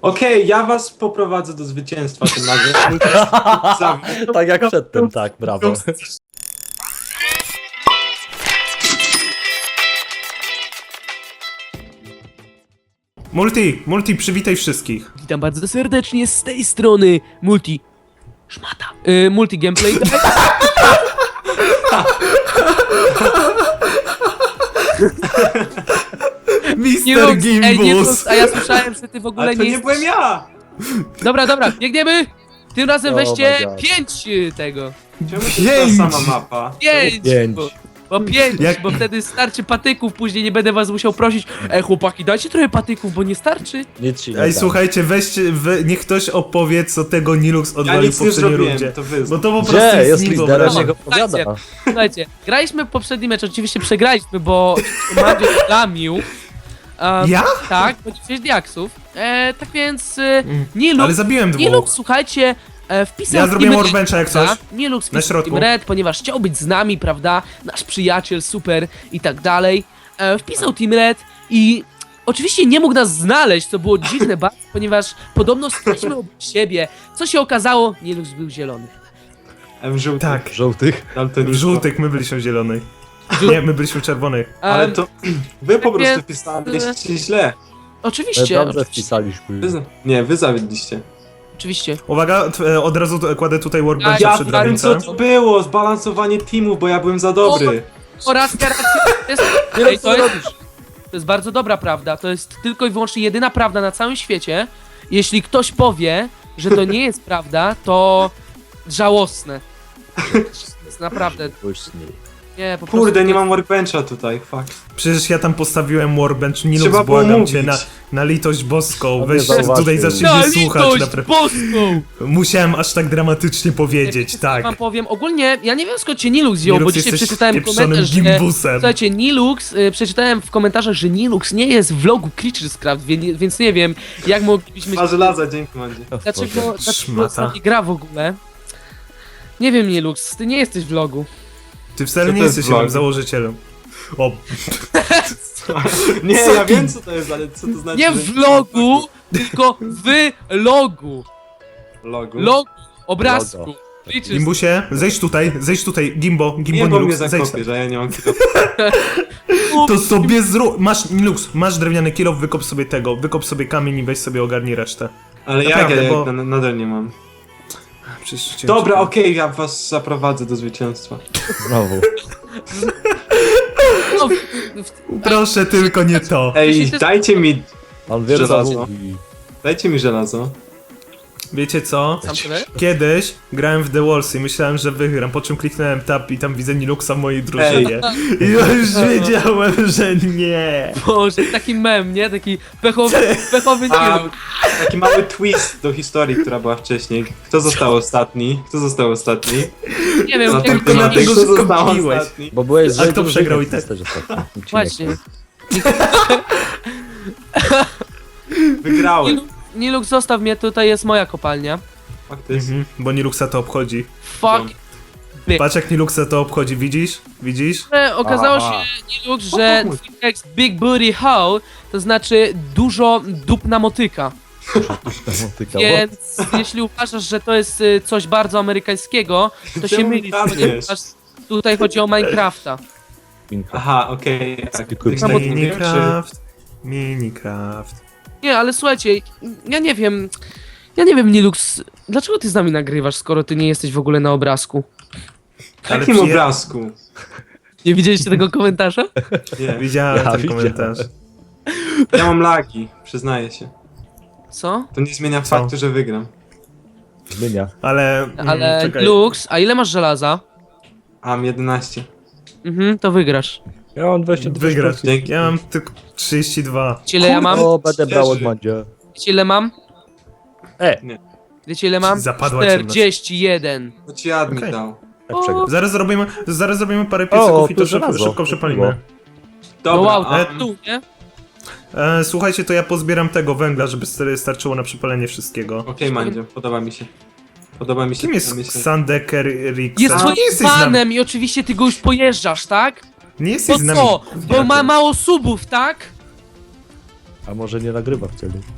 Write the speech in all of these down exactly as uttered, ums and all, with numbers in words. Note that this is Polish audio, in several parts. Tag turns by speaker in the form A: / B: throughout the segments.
A: Okej, ja was poprowadzę do zwycięstwa tym razem.
B: Tak jak przedtem, tak, brawo.
C: Multi, Multi, przywitaj wszystkich.
D: Witam bardzo serdecznie z tej strony Multi... Szmata. Yy, multi Gameplay. Nie
C: mister
D: rób- Ej, nie
C: Gimbus.
D: rób- a ja słyszałem, że ty w ogóle
A: Ale to
D: nie
A: nie
D: jesteś...
A: byłem ja!
D: Dobra, dobra, biegniemy! Tym razem
B: Oh
D: weźcie
B: my God.
D: pięć y, tego.
A: Czemu to
C: Pięć!
A: jest ta sama mapa?
D: Pięć!
B: Pięć.
D: Bo, bo pięć,
C: Jak-
D: bo wtedy starczy patyków, później nie będę was musiał prosić. Ej chłopaki, dajcie trochę patyków, bo nie starczy.
B: Nic ci nie
C: Ej,
B: dam.
C: słuchajcie, weźcie, we, niech ktoś opowie, co tego Nilux
A: Ja
C: odwalił w
A: nic nie
C: poprzedniej
A: zrobiłem,
C: rundzie.
A: to wy.
C: Bo to po prostu
B: Gdzie?
C: jest
B: Jest liderem,
C: niewyobrażalne.
B: niech opowiada.
D: Słuchajcie. Słuchajcie, graliśmy poprzedni mecz, oczywiście przegraliśmy, bo Mandzio lamił. Um,
C: Ja?
D: Tak, bo sześć diaksów. E, tak więc e, Nilux,
C: Ale zabiłem dwóch.
D: Nilux, słuchajcie, e, wpisał
C: Ja zrobiłem
D: Team Red,
C: Warbencha jak
D: prawda?
C: coś.
D: Nilux
C: Na
D: wpisał
C: środku.
D: Team Red, ponieważ chciał być z nami, prawda? Nasz przyjaciel, super i tak dalej. E, wpisał Team Red i oczywiście nie mógł nas znaleźć, co było dziwne bardzo, ponieważ podobno staliśmy obok siebie. Co się okazało? Nilux był zielony.
A: M żółty.
C: Tak,
B: Żółtych.
A: Daltonista.
C: w żółtych, my byliśmy w zielonych.
D: Żół-
C: Nie, my byliśmy w czerwonych.
A: Ale
D: Em,
A: to wy po prostu
D: więc-
A: wpisaliście źle.
D: Oczywiście,
B: Dobrze
D: oczywiście,
B: wpisaliśmy.
A: Wy, nie, wy zawiedliście.
D: oczywiście.
C: Uwaga, t- e, od razu t- kładę tutaj Warbencha
D: Ja
C: przed
A: Ja wiem co
C: drabinkę.
A: to było, zbalansowanie teamów, bo ja byłem za dobry.
D: Oraz to jest, ej, to, jest, to jest bardzo dobra prawda. To jest tylko i wyłącznie jedyna prawda na całym świecie. Jeśli ktoś powie, że to nie jest prawda, to żałosne. To jest naprawdę.
B: Później.
D: Nie, po
A: Kurde,
D: prostu
A: nie mam workbencha tutaj, fuck.
C: Przecież ja tam postawiłem Warbench. Nilux,
A: Trzeba było
C: błagam
A: mówić.
C: cię, na, na litość boską.
B: On
C: Weź
B: nie zauważył.
C: tutaj zacznij
D: Na
C: mnie słuchać.
D: litość
C: Naprawdę.
D: boską!
C: Musiałem aż tak dramatycznie powiedzieć,
D: Ja
C: tak.
D: wam powiem, ogólnie, ja nie wiem skąd cię Nilux wziął, bo
C: Nilux,
D: dzisiaj
C: jesteś
D: przeczytałem
C: pieprzonym
D: komentarz, że...
C: gimbusem.
D: Słuchajcie, Nilux, y, przeczytałem w komentarzach, że Nilux nie jest w vlogu Creatures Craft, więc, więc nie wiem, jak moglibyśmy...
A: A żelaza, dzięki Mandzie.
D: Dlaczego, dlaczego
C: Szmata.
D: nie gra w ogóle? Nie wiem, Nilux, ty nie jesteś w vlogu.
C: Ty wcale
A: Co
C: nie
A: to jest
C: jesteś
A: vlog?
C: moim założycielem. O,
A: Nie,
C: Co
A: ja
C: ty-
A: wiem co to jest, ale co to znaczy?
D: Nie
A: że-
D: w vlogu, tylko w logu.
A: Logu.
D: Logu, obrazku.
B: Logo.
D: Creatures.
C: Gimbusie, zejdź tutaj, zejdź tutaj, Gimbo, Gimbo
A: Nie, bo mnie
C: Nilux, zejdź
A: zakopie,
C: tam.
A: że ja nie mam kilofu.
C: To sobie zrób, masz, Nilux, masz drewniany kilo, wykop sobie tego, wykop sobie kamień i weź sobie ogarnij resztę.
A: Ale jak
C: Naprawdę,
A: ja
C: bo-
A: na, nadal nie mam.
C: Przecież cię-
A: Dobra, okej, ja was zaprowadzę do zwycięstwa.
B: Znowu.
D: No, w- w-
C: Proszę tylko nie to.
A: Ej,
D: się-
A: dajcie mi,
B: On wie, co
A: Żelazo.
B: mówi.
A: dajcie mi żelazo.
C: Wiecie co?
D: Sam sobie?
C: Kiedyś grałem w The Walls i myślałem, że wygram, po czym kliknąłem tab i tam widzę Niluxa w mojej drużynie. I ja już wiedziałem, że nie.
D: Boże, taki mem, nie? Taki pechowy, pechowy
A: A,
D: Nilux.
A: taki mały twist do historii, która była wcześniej. Kto został ostatni? Kto został ostatni?
D: Nie wiem,
A: Zatem
D: jak
A: ty na
C: dlatego
A: tego
C: szybko
A: został
C: wbiłeś.
A: ostatni.
B: Bo byłeś z
C: A kto
B: drużyny,
C: przegrał i
B: ty
C: tak?
B: jesteś ostatni. Nic ci nie
D: Właśnie.
B: powiem.
A: Wygrałem.
D: Nilux, Nilux, zostaw mnie, tutaj jest moja kopalnia.
A: Faktycznie.
C: Mhm, bo Niluxa to obchodzi.
D: Fuck.
C: Patrz jak Niluxa to obchodzi, widzisz? Widzisz?
D: Że Okazało
A: Aha.
D: się, Nilux, że twój tekst Big Booty Hole to znaczy dużo dupna motyka.
B: Motyka,
D: Więc jeśli uważasz, że to jest y, coś bardzo amerykańskiego, to się
A: Czemu
D: mylisz,
A: kradniesz?
D: ponieważ tutaj chodzi o Minecrafta.
B: Minecraft.
A: Aha, okej. tak.
B: Zwykły
A: Tych samych nie wiem, czy-
C: Minecraft. Minecraft.
D: Nie, ale słuchajcie, ja nie wiem, ja nie wiem, Nilux, dlaczego ty z nami nagrywasz, skoro ty nie jesteś w ogóle na obrazku?
A: W
C: Ale
A: jakim
C: przyje-
A: obrazku?
D: Nie widzieliście tego komentarza?
A: Nie.
C: Widziałem
B: Ja
C: ten
B: widziałem.
C: komentarz.
A: Ja mam lagi, przyznaję się.
D: Co?
A: To nie zmienia
C: Co?
A: faktu, że wygram.
B: Zmienia.
C: Ale... mm,
D: Ale
C: czekaj.
D: Lux, a ile masz żelaza?
A: A, mam jedenaście.
D: Mhm, to wygrasz.
B: Ja mam dwadzieścia dwa
C: Wygrasz.
B: sztuki.
A: Dzięki.
C: Ja mam tylko trzydzieści dwa.
D: Wiecie ile ja mam?
B: O, będę brał od
A: Szczerze.
B: Mandzia.
D: Wiecie ile mam?
B: E,
D: Wiecie ile mam?
C: Zapadła ciemność.
D: czterdzieści jeden.
A: To ci admin
C: Okej.
A: dał.
B: tak przegrał.
C: Zaraz zrobimy, zaraz zrobimy parę
B: O,
C: piecyków i
B: tu
C: to szybko,
B: żelazo.
C: szybko przepalimy.
A: Dobra,
D: No wow,
A: a,
D: to tu, nie?
C: E, słuchajcie, to ja pozbieram tego węgla, żeby st- starczyło na przepalenie wszystkiego.
A: okej Mandzio, podoba mi się. Podoba mi się.
C: Kim
A: to
C: jest
A: myślę.
C: Xandeker Rixa?
D: Jest
A: A,
D: twoim
C: nie jesteś z nami.
D: fanem i oczywiście ty go już pojeżdżasz, tak?
C: Nie jesteś
D: Bo
C: z nami.
D: co? Bo ma mało subów, tak?
B: A może nie nagrywa wtedy?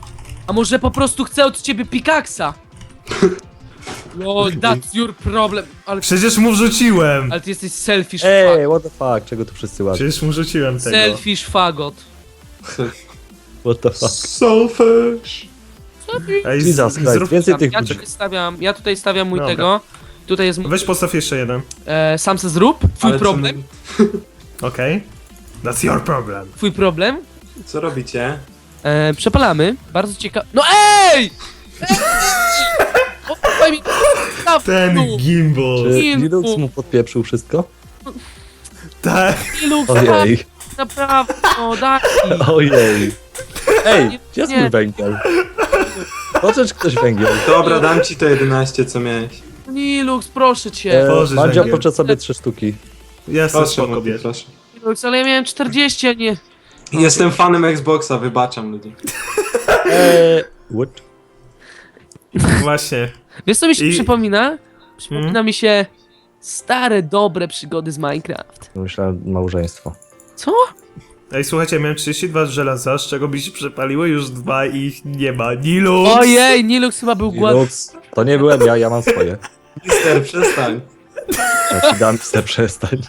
D: A może po prostu chce od ciebie pikaksa? No, that's your problem. Ale,
C: Przecież mu wrzuciłem!
D: ale ty jesteś selfish
B: Ej,
D: fag.
B: what the fuck, czego tu wszyscy łażą?
C: Przecież mu wrzuciłem tego.
D: Selfish fagot.
B: What the fuck?
A: Selfish.
C: Ej, z-
B: Jesus Christ,
C: zrób...
B: więcej tych
D: Ja
B: ludzi.
D: tutaj stawiam, ja tutaj stawiam mój
C: Dobra.
D: tego. Tutaj jest mój,
C: Weź postaw jeszcze jeden.
D: e, sam se zrób. Twój
A: Ale co
D: problem.
A: my-
C: Okej? That's your problem.
D: Twój problem.
A: Co robicie?
D: E, przepalamy. Bardzo ciekawe. No ej! Ej! Oddaj mi staw
C: Ten
D: tu.
C: gimbal.
B: Czy
D: Kilku.
B: Linux mu podpieprzył wszystko?
C: Tak.
D: Ilu
B: Ojej,
D: naprawdę, no daj mi.
B: ojej. Ej, gdzie jest
D: Nie.
B: mój węgiel? Pożycz ktoś węgiel.
A: Dobra, dam ci to jedenaście, co miałeś.
D: Nilux, proszę cię.
B: E,
C: Pożycz
B: Mandzio,
C: węgiel.
B: poczę sobie trzy sztuki.
C: Jasne,
A: Proszę,
C: spoko,
A: Multi,
C: bierz.
A: proszę.
D: Nilux, ale ja miałem czterdzieści, a nie...
A: Jestem fanem Xboxa, wybaczam ludzi.
B: Eee, what?
C: Właśnie.
D: Wiesz co mi się
C: I-
D: przypomina? Przypomina
C: Hmm?
D: mi się stare, dobre przygody z Minecraft.
B: Myślałem małżeństwo.
D: Co?
C: Ej, słuchajcie, miałem trzydzieści dwa żelaza, z czego by się przepaliły już dwa i ich nie ma. Nilux!
D: Ojej, Nilux chyba był głodny.
B: Linux, to nie byłem ja, ja mam swoje.
A: Mister, przestań.
B: Ja ci dam chcę przestań.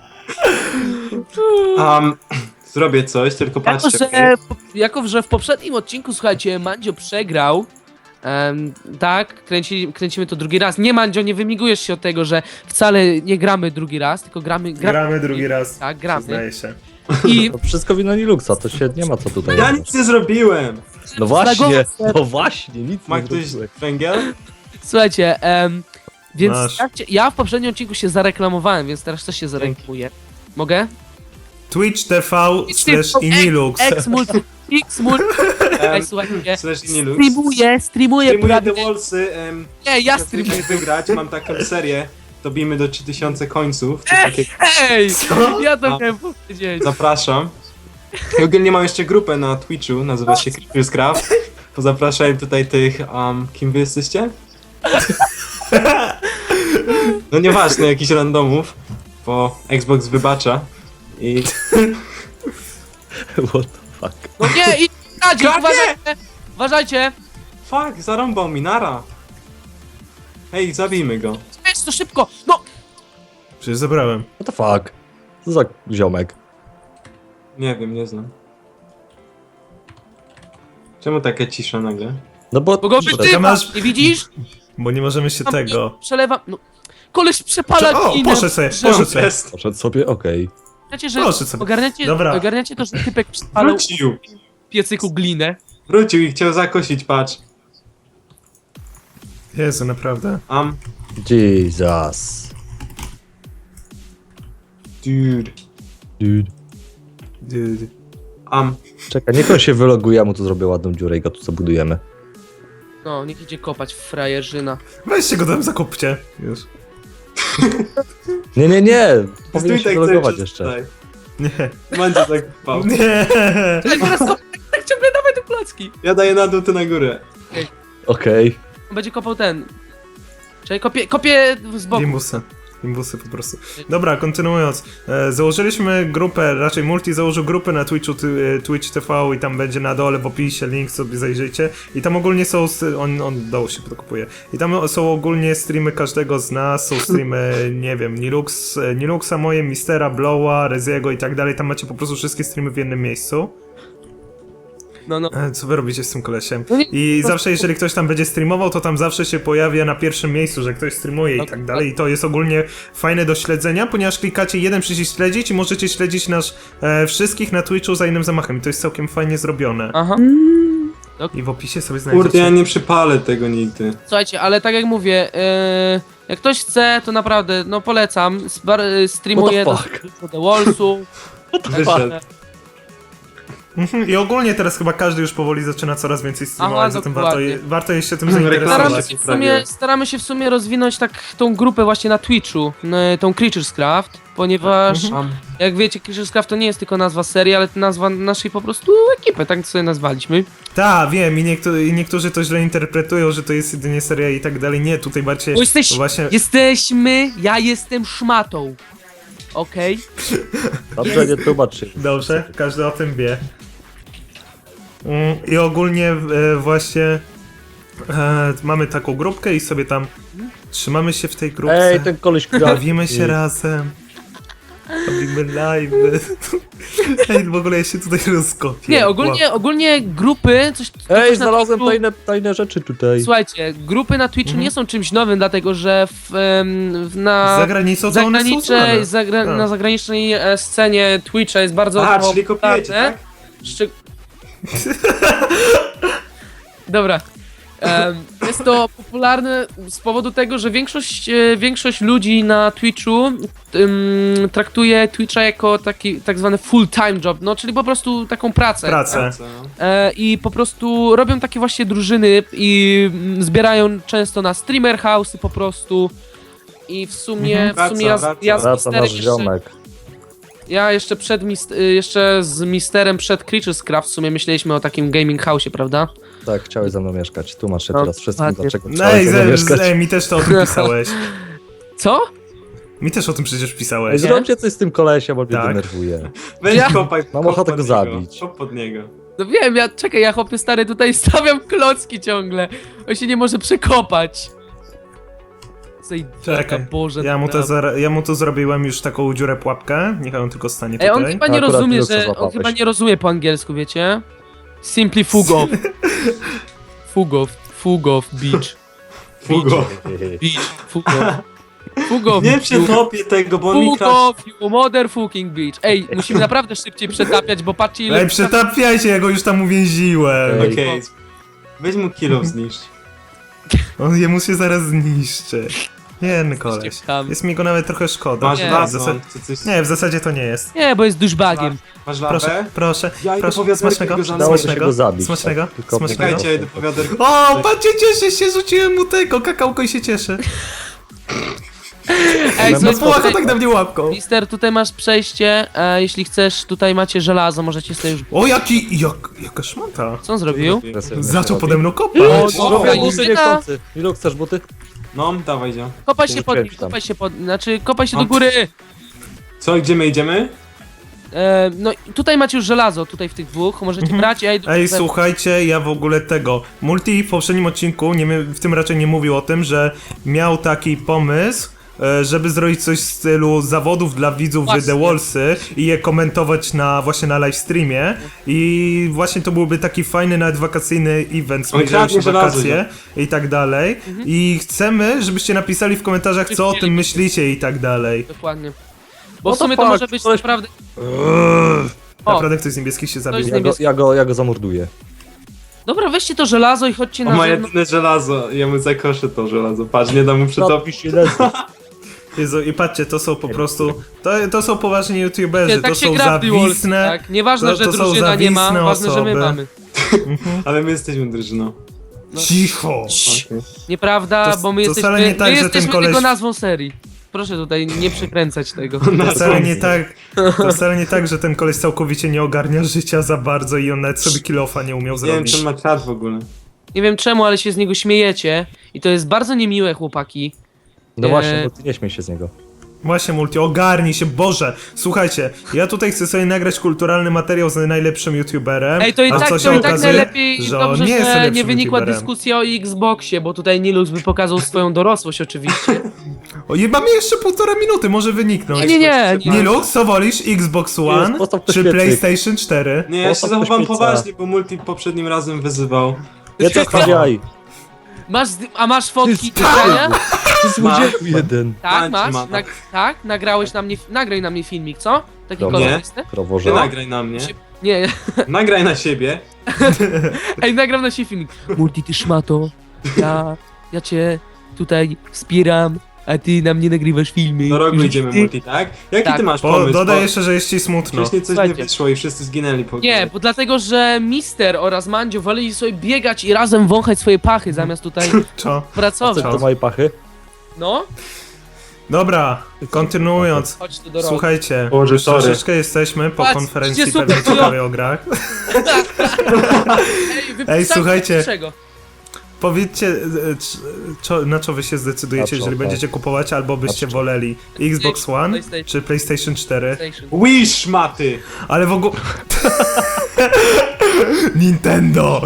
A: Um, zrobię coś, tylko
D: Jako
A: patrzcie.
D: że, jako, że w poprzednim odcinku, słuchajcie, Mandzio przegrał. em, tak, kręci, kręcimy to drugi raz. Nie, Mandzio, nie wymigujesz się od tego, że wcale nie gramy drugi raz, tylko gramy... gra-
C: Gramy drugi raz.
D: Tak, gramy.
C: Zdaje się.
D: I
B: To wszystko wina Linuxa, to się nie ma co tutaj
A: Ja
B: robić.
A: nic nie zrobiłem.
B: No właśnie,
D: Zlagował-
B: no właśnie, nic
A: Ma
B: nie
A: ktoś
B: zrobiłeś.
A: węgiel?
D: słuchajcie, em, więc
C: Masz.
D: ja, chcia- ja w poprzednim odcinku się zareklamowałem, więc teraz też się zareklamuję. Mogę?
C: Twitch T V slash inilux.
D: X multi, X multi. Ej,
A: Um,
D: słuchajcie,
A: slash Inilux.
D: streamuję, streamuję
A: Streamuję
D: prawie...
A: The Wallsy. Um,
D: Nie, ja
A: jak
D: streamuję.
A: chcecie wygrać, mam taką serię. Dobijmy do trzy tysiące końców. Coś takiego.
D: Ej, ja to
A: A.
D: miałem powiedzieć.
A: Zapraszam. I ogólnie mam jeszcze grupę na Twitchu, nazywa się Creepers Craft. Pozapraszałem tutaj tych, um, kim wy jesteście? No nieważne, jakichś randomów, bo Xbox wybacza. I...
B: What the fuck?
D: No nie, i Kadzi,
A: Krakie!
D: uważajcie! Uważajcie!
A: Fuck, zarąbał mi, nara. Hej, zabijmy go.
D: Weź to szybko! No!
C: Przecież zabrałem.
B: What the fuck? Co za ziomek?
A: Nie wiem, nie znam. Czemu taka cisza nagle?
B: No bo...
D: Bo go
B: Że-
D: wytywa!
C: masz-
D: Nie widzisz?
C: Bo nie możemy się
D: Tam
C: tego...
D: Przelewam... No. Koleś przepala
C: O,
D: ginę.
C: poszedł sobie,
D: Że-
C: poszedł sobie.
A: Jest.
B: Poszedł sobie, okej.
D: Ogarniacie, że...
C: Proszę sobie.
D: Ogarniacie,
C: Dobra.
D: ogarniacie to, że typek przepalał
A: Wrócił.
D: w piecyku glinę.
A: Wrócił i chciał zakosić, patrz.
C: Jezu, naprawdę.
A: Um,
B: Jesus.
A: dude.
B: Dude.
C: Dude.
A: Um,
B: Czekaj, niech on się wyloguje, ja mu tu zrobię ładną dziurę i go tu zabudujemy.
D: No, niech idzie kopać w frajerzyna.
C: Weźcie go tam, zakupcie. Już.
B: Nie, nie, nie!
A: stój
B: Powinien się
A: tak
B: wylogować
A: cały czas
B: jeszcze.
A: tutaj.
C: Nie.
A: Mandzio tak pał.
C: Nie.
D: Ale teraz kopać, tak, tak ciągle dawaj te placki.
A: Ja daję na dół, ty na górę.
B: Okej.
D: On będzie kopał ten. Czyli kopie, kopie z boku.
C: Gimbusy. Gimbusy po prostu. Dobra, kontynuując. E, założyliśmy grupę, raczej Multi założył grupę na Twitchu, ty, e, Twitch T V i tam będzie na dole w opisie link, sobie zajrzyjcie. I tam ogólnie są, s- on, on dołu się podkupuje. I tam są ogólnie streamy każdego z nas, są streamy, nie wiem, Nilux, e, Niluxa moje, Mistera, Blowa, Reziego i tak dalej. Tam macie po prostu wszystkie streamy w jednym miejscu.
D: No, no.
C: E, Co wy robicie z tym kolesiem?
D: No nie-
C: I
D: no-
C: zawsze, jeżeli ktoś tam będzie streamował, to tam zawsze się pojawia na pierwszym miejscu, że ktoś streamuje i
D: Tak,
C: tak dalej. I to jest ogólnie fajne do śledzenia, ponieważ klikacie jeden przycisk śledzić i możecie śledzić nas e, wszystkich na Twitchu za innym zamachem. I to jest całkiem fajnie zrobione.
D: Aha.
C: I w opisie sobie
A: Kurde, ja
C: znajdziecie.
A: nie przypalę tego nigdy.
D: Słuchajcie, ale tak jak mówię, yy, jak ktoś chce, to naprawdę, no polecam. Sbar- y, streamuję do,
B: What the
D: do The Wallsu.
A: Wyszedł.
C: Mhm, I ogólnie teraz chyba każdy już powoli zaczyna coraz więcej streamować,
D: Aha,
C: zatem warto,
D: dokładnie.
C: je, warto jest się tym
A: Reklama.
D: Staramy
C: zainteresować.
D: się, w
A: prawie.
D: sumie, staramy się w sumie rozwinąć tak tą grupę właśnie na Twitchu, no, tą Creatures Craft, ponieważ
A: Um,
D: jak wiecie, Creatures Craft to nie jest tylko nazwa serii, ale to nazwa naszej po prostu ekipy, tak sobie nazwaliśmy.
C: Tak, wiem, i, niektó- i niektórzy to źle interpretują, że to jest jedynie seria i tak dalej. Nie, tutaj bardziej
D: Bo jesteś,
C: właśnie...
D: jesteśmy, ja jestem szmatą. Okej?
B: Dobrze, nie tłumacz się.
C: Dobrze, każdy o tym wie. Mm, I ogólnie e, właśnie e, mamy taką grupkę i sobie tam trzymamy się w tej grupce.
B: Ej, ten koleś gra.
C: Bawimy się razem. Robimy live. Ej, w ogóle ja się tutaj rozkopię.
D: Nie, ogólnie, ogólnie grupy, coś... coś
B: Ej,
D: na
B: znalazłem
D: Twitchu-
B: tajne, tajne rzeczy tutaj.
D: Słuchajcie, grupy na Twitchu nie są czymś nowym, dlatego że w, em, w, na
C: Za granicą to one są
D: zagranicznej,
C: znane.
D: zagra,
C: Tak.
D: na zagranicznej e, scenie Twitcha jest bardzo
A: A, czyli kopiujecie,
D: popularne.
A: tak?
D: Szczy... Dobra. Em, jest to popularne z powodu tego, że większość, e, większość ludzi na Twitchu em, traktuje Twitcha jako taki tak zwany full-time job, no czyli po prostu taką pracę.
C: Pracę.
A: Co?
D: E, I po prostu robią takie właśnie drużyny i mm, zbierają często na streamer house'y po prostu. I w sumie,
C: Mhm.
D: w sumie ja,
A: Wraca,
D: z- ja z
B: Wraca
D: Misterem
B: nasz
D: jeszcze,
B: ziomek.
D: ja jeszcze przed mist, y, jeszcze z Misterem przed Creatures Craft w sumie myśleliśmy o takim gaming house'ie, prawda?
B: Tak, chciałeś ze mną mieszkać. Tłumacz się
D: No,
B: teraz wszystkim,
D: ładnie.
B: dlaczego
C: No
B: chciałeś
C: ej,
B: ze mną
C: ze,
B: mieszkać.
C: z, ej, mi też to o tym pisałeś.
D: Co?
C: Mi też o tym przecież
B: Ej,
C: pisałeś.
B: zróbcie coś z tym kolesiem, bo mnie
C: Tak.
B: denerwuje.
A: Weź
D: Ja-
A: kopaj,
B: Mam
A: kop
B: ochotę
A: pod
B: go
A: niego,
B: zabić.
A: Kop pod niego.
D: No wiem, ja czekaj, ja chłopie stary tutaj stawiam klocki ciągle. On się nie może przekopać. Zajdziaka,
C: Czekaj,
D: Boże.
C: Ja mu, to
D: naprawdę.
C: zar- ja mu tu zrobiłem już taką dziurę pułapkę. Niech on tylko stanie
D: Ej, on
C: tutaj.
D: chyba nie
B: Akurat
D: rozumie,
B: Luxa
D: że. On
B: złapałeś.
D: chyba nie rozumie po angielsku, wiecie? Simply fugo. Fugo, fugo, beach.
A: Fugo.
D: Beach, fugo. Fugo,
A: Nie przekopię tego, bo on mi krasz...
D: fugo, you motherfucking beach. Ej, musimy naprawdę szybciej przetapiać, bo patrzcie ile...
C: Ej, przetapiajcie, ja go już tam uwięziłem.
B: Ej.
A: Okej. Weź mu kilo zniszcz.
C: On jemu się zaraz zniszczy. Jeden koleś.
D: Jesteście tam.
C: Jest mi go nawet trochę szkoda.
A: Masz
D: Nie.
C: w
A: wazon,
C: zasadzie...
A: czy coś...
C: Nie, w zasadzie to nie jest.
D: Nie, bo jest douchebagiem.
A: Masz
C: Proszę,
A: lawę?
C: proszę,
A: Ja idę
C: proszę.
A: po wiaderko
C: Smacznego,
A: i go zamknę.
B: Dało się
C: smacznego,
B: go zabić.
C: smacznego,
B: tak, tylko
C: smacznego.
A: Czekajcie, ja idę po wiaderko.
C: O, patrzcie, cieszę się, rzuciłem mu tego, kakałko i się cieszę.
D: Ej,
B: No,
C: No
D: słuchaj,
C: połacha
D: tutaj,
C: tak na mnie łapką.
D: Mister, tutaj masz przejście, e, jeśli chcesz, tutaj macie żelazo, możecie sobie już...
C: O, jaki, jak, jaka szmata.
D: Co on zrobił?
C: Zaczął pode mną kopać.
B: O,
D: O,
B: robię
D: o,
B: buty
D: o,
B: niechcący. Ilu chcesz buty?
A: No, dawaj, idzie.
D: Kopaj się pod nim,
B: Rzuciłem tam.
D: kopaj się pod... Znaczy, kopaj się
A: No.
D: do góry!
A: Co, gdzie my idziemy?
D: E, no, tutaj macie już żelazo, tutaj w tych dwóch, możecie brać, ja idę...
C: Ej,
D: we-
C: słuchajcie, ja w ogóle tego. Multi w poprzednim odcinku, nie, mia- w tym raczej nie mówił o tym, że miał taki pomysł, e, żeby zrobić coś w stylu zawodów dla widzów
D: Właśnie.
C: w The Wallsy i je komentować na właśnie na live streamie. I właśnie to byłby taki fajny, nawet wakacyjny event,
A: On
C: zbliżają się
A: kradnie żelazo,
C: wakacje i tak dalej. I chcemy, żebyście napisali w komentarzach, co o tym myślicie i tak dalej.
D: Dokładnie. Bo
B: What
D: w sumie
B: the
D: to
B: fuck?
D: może być
B: Koleś-
D: naprawdę... O,
C: Naprawdę ktoś z niebieskich się zabił.
D: z
B: Ja go, ja go, ja go zamorduję.
D: dobra, weźcie to żelazo i chodźcie
A: O,
D: na
A: ma
D: zewnątrz.
A: jedyne żelazo. Ja mu zakoszę to żelazo. Patrz, nie dam mu przetopić.
B: się lecę.
C: Jezu, i patrzcie, to są po prostu, to, to są poważni youtuberzy,
D: Nie, tak
C: to
D: się
C: są
D: gra w The Walls,
C: zawisne,
D: tak. Nieważne,
C: to-
D: że
C: to są
D: drużyna nie ma,
C: zawisne
D: ważne, że my
C: osoby.
D: mamy.
A: Ale my jesteśmy drużyną.
D: No.
C: cicho.
A: Okay.
D: Nieprawda,
C: To-
D: bo my
C: to
D: jesteśmy,
C: wcale nie tak,
D: my
C: że ten
D: jesteśmy
C: koleś-
D: tylko nazwą serii. Proszę tutaj nie przekręcać tego.
C: To wcale nie tak, to wcale nie tak, że ten koleś całkowicie nie ogarnia życia za bardzo i on nawet sobie kill-offa nie umiał
A: Nie wiem,
C: zrobić.
A: czy on ma czat w ogóle.
D: Nie wiem czemu, ale się z niego śmiejecie. I to jest bardzo niemiłe, chłopaki.
B: No
D: Eee.
B: właśnie, bo ty nie śmiej się z niego.
C: Właśnie Multi, ogarnij się, Boże! Słuchajcie, ja tutaj chcę sobie nagrać kulturalny materiał z najlepszym youtuberem,
D: Ej, to i
C: a
D: tak,
C: co
D: to
C: się
D: i tak
C: okazuje,
D: najlepiej
C: że
D: dobrze,
C: on nie jest
D: że
C: najlepszym
D: nie wynikła
C: youtuberem.
D: dyskusja o Xboxie, bo tutaj Nilux by pokazał swoją dorosłość oczywiście.
C: O, je- mamy jeszcze półtora minuty, może wyniknąć.
D: Nie, nie, nie. nie.
C: Nilux, co wolisz? Xbox One
B: postaw to
C: czy
B: świetlik.
C: PlayStation cztery?
A: Nie, ja się
B: Postaw
A: zachowam
B: pośpieca.
A: poważnie, bo Multi poprzednim razem wyzywał.
B: Nie to stawiaj.
D: Masz, zdy- a masz fotki
B: Ty
D: nagrania?
B: Ty złodzieju jeden.
D: Tak,
A: Macie,
D: masz.
A: mama.
D: Nag tak, nagrałeś na mnie, nagraj na mnie filmik, co? Taki
B: Dobra.
D: kolorysty?
A: Ty
B: Kroworze.
A: nagraj na mnie.
D: Nie,
A: Nagraj na siebie.
D: ej, nagram na siebie filmik. Multi, ty szmato, ja, ja cię tutaj wspieram, a ty na mnie nagrywasz filmy.
A: Do rogu
D: Że
A: idziemy
D: ty-
A: Multi, tak? Jaki
D: Tak.
A: ty masz
C: Bo
A: pomysł?
C: dodaj
A: Bo
C: jeszcze, że jest ci smutno.
A: wcześniej coś
D: Słuchajcie.
A: nie wyszło i wszyscy zginęli po
D: Nie, bo dlatego, że Mister oraz Mandzio woleli sobie biegać i razem wąchać swoje pachy, zamiast tutaj
C: Co?
D: pracować.
B: Co to moje pachy?
D: No,
C: Dobra, kontynuując.
D: chodź tu do rogu.
C: Słuchajcie,
A: Boże,
C: już
A: sorry.
C: troszeczkę jesteśmy po
D: Patrz,
C: konferencji
D: idzie super,
C: pewnie
D: no.
C: ciekawej o grach.
D: Ej, wypisałem
C: Ej, słuchajcie.
D: Czego?
C: Powiedzcie, e, c- co, na co wy się zdecydujecie,
B: Na co,
C: jeżeli
B: tak.
C: będziecie kupować, albo byście
B: Na co?
C: woleli Xbox One
D: PlayStation.
C: czy PlayStation cztery.
D: Station.
A: Wish, maty!
C: Ale w ogóle... Nintendo!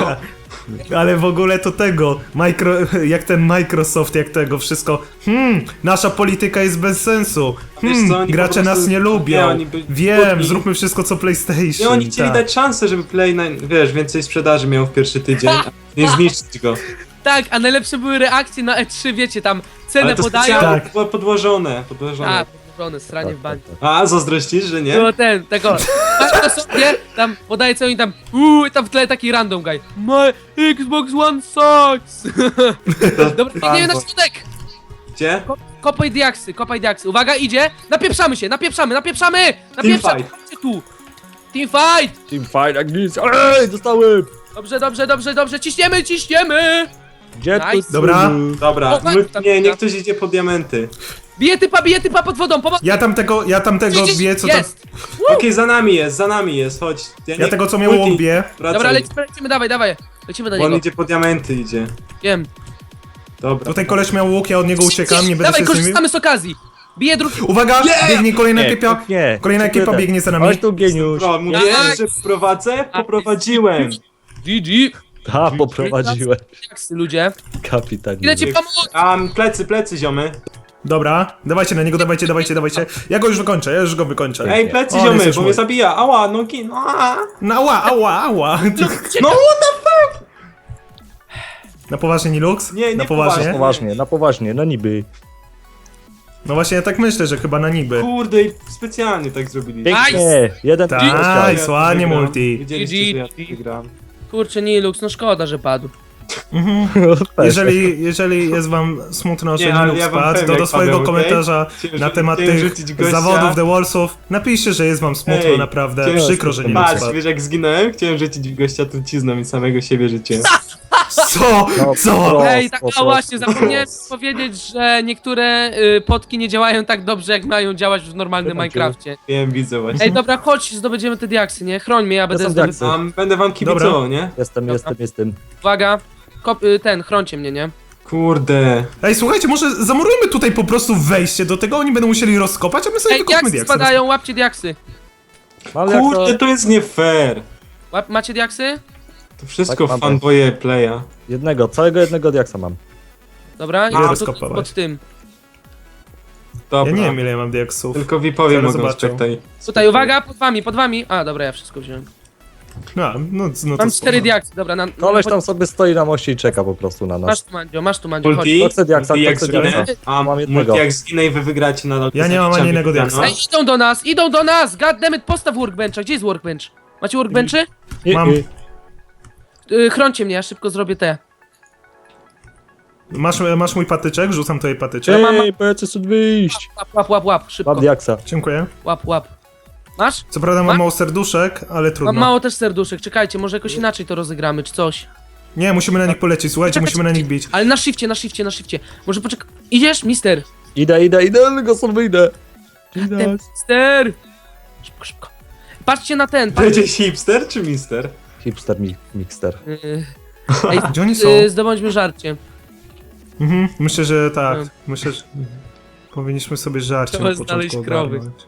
C: Ale w ogóle to tego, micro, jak ten Microsoft, jak tego wszystko, hmm, nasza polityka jest bez sensu,
A: Wiesz
C: hmm,
A: co, oni po
C: gracze
A: prostu-
C: nas nie lubią,
A: nie, oni by-
C: wiem,
A: oni-
C: zróbmy wszystko co PlayStation.
A: Nie, oni chcieli
C: tak.
A: dać szansę, żeby Play, na, wiesz, więcej sprzedaży miał w pierwszy tydzień, a nie zniszczyć go.
D: Tak, a najlepsze były reakcje na E trzy, wiecie, tam cenę
A: Ale to
D: podają.
A: specjalnie
C: Tak.
A: było podłożone, podłożone.
D: A, podłożone, stranie w bańce.
A: A, zazdrościsz, że nie?
D: Było ten, tego, masz to sobie, tam podaje co oni tam, uuu, i tam w tle taki random guy. My Xbox One sucks! Dobra, biegniemy na środek!
A: Gdzie?
D: Ko- Kopaj diaksy, kopaj diaksy. Uwaga, idzie! Napieprzamy się, napieprzamy, napieprzamy! Napieprzamy!
A: Teamfight.
D: Chodźcie tu! Teamfight!
B: Team fight jak nic. Ej, dostałem!
D: Dobrze, dobrze, dobrze, dobrze, ciśniemy, ciśniemy!
B: Gdzie tu?
D: Nice.
C: Dobra.
A: Dobra,
D: O, tak,
A: my,
D: tak,
A: nie,
D: tak.
A: niech ktoś idzie po diamenty.
D: Bije typa, bije typa pod wodą, pomoc!
C: Ja tamtego, ja tamtego
D: Gdzieś
C: wie co tam,
D: jest!
A: Okej, za nami jest, za nami jest, chodź.
C: ja
A: nie-
C: tego co miał
A: Multi,
C: łobie.
A: wracaj,
D: Dobra, lecimy, lecimy, dawaj, dawaj. Lecimy do
A: bo on
D: niego.
A: idzie po diamenty, idzie.
D: Wiem.
A: Dobra.
C: Tutaj koleś miał łuk, ja od niego uciekam, nie będę
D: Dawaj,
C: się z nim...
D: korzystamy z okazji. Bije drugi.
C: Uwaga, biegnie kolejna ekipa,
B: nie.
C: kolejna ekipa
B: Dziękuję.
C: biegnie za nami.
B: Chodź tu, geniusz.
A: Bro, mówiłem,
D: Dawaj.
A: że prowadzę? Poprowadziłem.
D: G G.
B: Ha, poprowadziłem.
D: Diaksy, ludzie.
B: Kapitanie.
D: Ile ci pomóc?
A: A, plecy, plecy, ziomy.
C: Dobra, dawajcie na niego, dawajcie, dawajcie, dawajcie. Ja go już wykończę, ja już go wykończę.
A: Ej, plecy,
C: O,
A: ziomy,
C: jesteś
A: bo
C: mój.
A: mnie zabija. Ała, nogi, no a.
C: No ała, ała, ała.
A: No what the...
C: Na poważnie, Nilux?
A: Nie, nie
C: Na
B: Na
C: poważnie?
B: poważnie, na poważnie, no niby.
C: No właśnie, ja tak myślę, że chyba na niby.
A: Kurde, i specjalnie tak zrobili.
B: Pięknie. Jeden
C: Tak.
B: punkt dostał.
C: Nice, ładnie, multi.
A: Widzieliście, że ja tu wygrałem.
D: Kurczę, Nilux, no szkoda, że padł.
C: Jeżeli, jeżeli jest wam smutno, że
A: Nie, ale
C: Nilux
A: ja wam
C: spadł,
A: powiem,
C: to do
A: jak
C: swojego
A: padłem, okej?
C: komentarza
A: Chciałem,
C: na
A: żeby-
C: temat
A: chciałem
C: tych
A: rzucić gościa.
C: zawodów The Wallsów napiszcie, że jest wam smutno,
A: Ej,
C: naprawdę.
A: chciałem-
C: Przykro, że Nilux
A: Patrz,
C: spadł.
A: wiesz jak zginąłem? Chciałem rzucić w gościa trucizną i samego siebie rzuciłem.
C: Co?
B: No,
C: Co?
B: pro.
D: Ej, tak,
B: po
D: a właśnie,
B: prostu.
D: zapomniałem powiedzieć, że niektóre y, potki nie działają tak dobrze, jak mają działać w normalnym
B: Zobaczymy.
D: Minecrafcie.
A: Wiem, widzę właśnie.
D: Ej, dobra, chodź, zdobędziemy te diaksy, nie? Chroń mnie, ja będę
B: są
D: zdobywał.
B: diaksy.
A: Um, będę wam kibicował,
C: Dobra.
A: nie?
B: Jestem, jestem, jestem.
D: Uwaga, Kop, y, ten, chrońcie mnie, nie?
A: Kurde.
C: Ej, słuchajcie, może zamurujmy tutaj po prostu wejście do tego, oni będą musieli rozkopać, a my sobie
D: Ej,
C: wykopmy
D: diaksy
C: diaksy.
D: spadają, łapcie diaksy.
B: Ale jak
A: Kurde,
B: to...
A: to jest nie fair.
D: Łap, macie diaksy?
A: To wszystko
B: Tak, mam.
A: fanboye playa.
B: Jednego, całego jednego diaksa mam.
D: Dobra,
C: Ile
D: i to
C: rozkopałeś?
D: pod tym.
C: Ja
A: Dobra.
C: nie wiem ile ja mam diaksów.
A: Tylko vi powiem
C: Zaraz
A: mogą
C: zobaczę.
A: spektaj.
D: Tutaj, uwaga, pod wami, pod wami. A, dobra, ja wszystko wziąłem.
C: No, no, no to
D: Mam
C: spoko.
D: cztery diaksy, dobra, na...
B: Koleś
D: na-
B: tam sobie stoi na moście i czeka po prostu na
D: Masz
B: nas.
D: tu, Mandzio, masz tu, Mandzio, chodź.
A: Multi,
B: To chcę diaksa,
A: multi
B: to
A: jak
B: chcę
A: zginę,
B: diaksa.
A: a
B: Mam jednego.
A: multi jak zginę i wy wygracie nadal.
C: Ja nie mam ani jednego diaksa.
D: Ej, idą do nas, idą do nas! Goddammit, postaw workbencha, gdzie jest workbench? Macie workbenchy?
B: I,
C: Mam.
B: i,
D: Yy, chrońcie mnie, ja szybko zrobię te.
C: Masz, masz mój patyczek? Rzucam tutaj patyczek.
D: mam-
B: Ej, powiedz stąd wyjść.
D: Łap, łap, łap, łap, szybko.
B: Mam diaksa.
C: Dziękuję.
D: Łap, łap. Masz?
C: Co prawda mam
D: Ma-
C: mało serduszek, ale trudno.
D: Mam mało też serduszek, czekajcie, może jakoś inaczej to rozegramy, czy coś.
C: Nie, musimy na nich polecieć, słuchajcie,
D: Czekaj,
C: musimy na nich bić.
D: Ale na shifcie, na shifcie, na shifcie. Może poczekaj. Idziesz, mister?
B: Idę, idę, idę, tylko stąd wyjdę. Idę.
D: Ten, mister! Szybko, szybko. Patrzcie na ten, patrzcie.
A: Będzie hipster czy mister?
B: Hipster mi, mixter.
D: Yy, Ej,
C: Gdzie oni są?
D: yy, zdobądźmy żarcie.
C: Mhm, myślę, że tak.
D: No.
C: Myślę, że powinniśmy sobie żarcie
D: Trzeba
C: na początku
D: znaleźć krowy.
C: ogarnąć.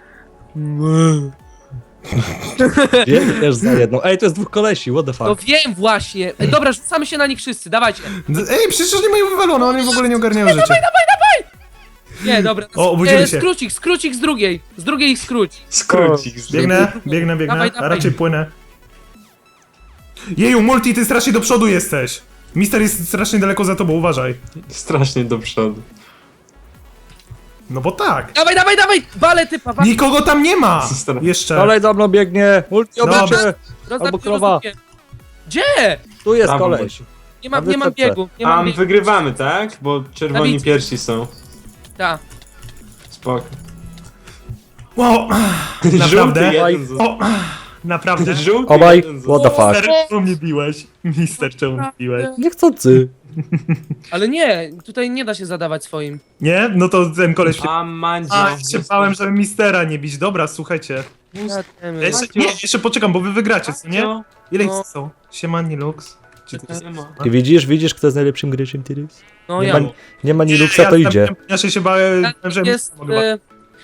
B: Biegniesz za jedną. Ej, to jest dwóch kolesi, what the
D: No
B: fuck.
D: wiem właśnie. Ej, dobra, rzucamy się na nich wszyscy, dawajcie.
C: D- Ej, przecież nie mają wywalone, oni w ogóle nie ogarniają życia.
D: Nie, dobra.
C: O, obudzili
D: E,
C: się.
D: Skróć ich, skróć ich z drugiej. Z drugiej ich skróć.
A: Skrócik.
C: Biegnę, biegnę, biegnę,
D: Dawaj,
C: a
D: dawaj.
C: raczej płynę. Jeju, Multi, ty strasznie do przodu jesteś. Mister jest strasznie daleko za tobą, uważaj.
A: Strasznie do przodu.
C: No bo tak.
D: Dawaj, dawaj, dawaj! Wale typa, wale.
C: Nikogo tam nie ma!
A: Zostań.
C: Jeszcze.
B: Kolej za mną biegnie. Multi
C: Dobra.
B: obaczy.
D: Rozdam
B: albo
D: ci,
B: krowa.
D: rozdupię. Gdzie?
B: Tu jest
A: Tam,
B: koleś.
D: Nie mam,
B: Na
D: nie mam
B: wysepce.
D: biegu, nie mam
A: Tam
D: biegu.
A: wygrywamy, tak? Bo czerwoni
D: Dawid.
A: pierwsi są.
D: Ta.
A: Spoko.
C: Wow,
A: Żółty
C: naprawdę?
A: jeden został.
C: O, naprawdę?
A: Żółty
B: Obaj,
A: jeden został.
B: what the fuck.
C: Mister, czemu mnie biłeś? Mister, czemu mnie biłeś?
B: Niechcący.
D: Ale nie, tutaj nie da się zadawać swoim.
C: Nie? No to ten koleś...
A: A Mandzio.
C: A, się bałem, żeby Mistera nie bić. Dobra, słuchajcie. Ja jeszcze, nie, jeszcze poczekam, bo wy wygracie, co nie? Ile ich
D: No.
C: są? Siemani Lux. Czy to jest...
B: Ty widzisz, widzisz, kto jest najlepszym graczem teraz?
D: No
B: Nie
D: ja.
B: ma, nie ma Niluksa,
C: ja
B: to idzie.
C: Ja się się bałem, że
D: Jest,
C: mogę...
D: e,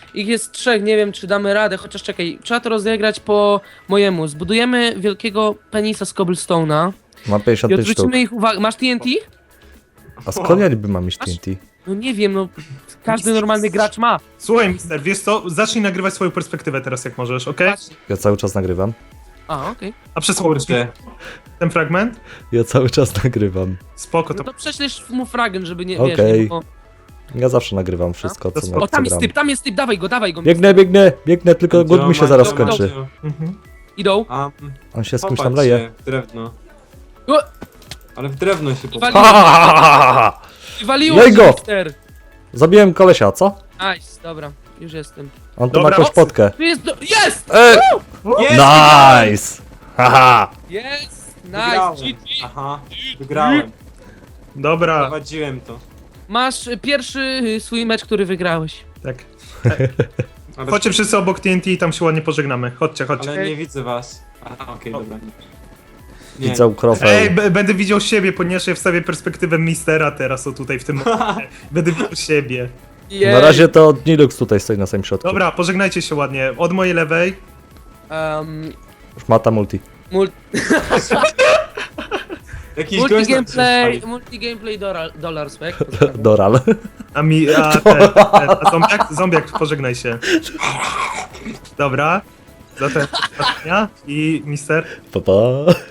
D: Ich jest trzech, nie wiem czy damy radę, chociaż czekaj, trzeba to rozegrać po mojemu. Zbudujemy wielkiego penisa z cobblestone'a
B: Mam pięćdziesiąt
D: i
B: pięć sztuk.
D: odwrócimy ich uwagę. Masz T N T?
B: A skąd ja niby mam mieć T N T?
D: No nie wiem, no każdy normalny gracz ma.
C: Słuchaj, mister, wiesz co? Zacznij nagrywać swoją perspektywę teraz, jak możesz, okej?
D: Patrz.
B: Ja cały czas nagrywam.
D: A, okej.
C: A przesłuchaj
A: Kurde.
C: ten fragment?
B: Ja cały czas nagrywam.
C: Spoko,
D: No
C: to...
D: to prześlesz mu fragment, żeby nie,
B: Okej.
D: wiesz, nie było...
B: Ja zawsze nagrywam wszystko,
C: To
B: co,
C: spoko.
B: na
D: O, tam
B: co
D: jest
B: gram.
D: typ, tam jest typ, dawaj go, dawaj go.
B: Biegnę, biegnę, biegnę, tylko głód mi się zaraz skończy.
C: Mhm.
D: Idą.
A: A,
B: On się z kimś tam
A: popatrz
B: leje.
A: się w drewno.
D: O,
A: Ale w drewno się
D: Wali-
A: popatrz.
D: waliło
B: Lej
D: się,
B: go!
D: mister.
B: Zabiłem kolesia, co?
D: Nice, dobra, już jestem.
B: On tu
C: Dobra,
B: ma jakąś
C: mocno.
B: potkę.
D: Tu jest, do... jest!
B: Ej!
A: Jest!
B: Nice! Haha!
D: Jest!
A: Wygrałem.
D: Nice! G G.
A: Aha, wygrałem.
C: Dobra,
A: Prowadziłem to.
D: Masz y, pierwszy y, swój mecz, który wygrałeś.
C: tak.
A: Ale,
C: Chodźcie wszyscy obok T N T i tam się ładnie pożegnamy. Chodźcie, chodźcie.
A: ale nie widzę was. Aha, okej, dobra. Nie. Nie.
B: Widzę
C: Ej,
B: krofel.
C: b- będę widział siebie, ponieważ ja wstawię perspektywę mistera teraz, o tutaj w tym momencie. Będę widział siebie.
D: Jej.
B: Na razie to Nilux tutaj stoi na samym środku.
C: Dobra, pożegnajcie się ładnie. Od mojej lewej.
D: Um,
B: Mata multi.
D: mul
A: Jakiś
D: multi
A: gość nam
D: gameplay,
A: przyszedł.
D: multi gameplay dolar, dolar swag.
B: Doral.
C: A mi. A, ten, ten, a zombiak? Zombiak, pożegnaj się. Dobra. Zatem. I mister.
B: Pa, pa.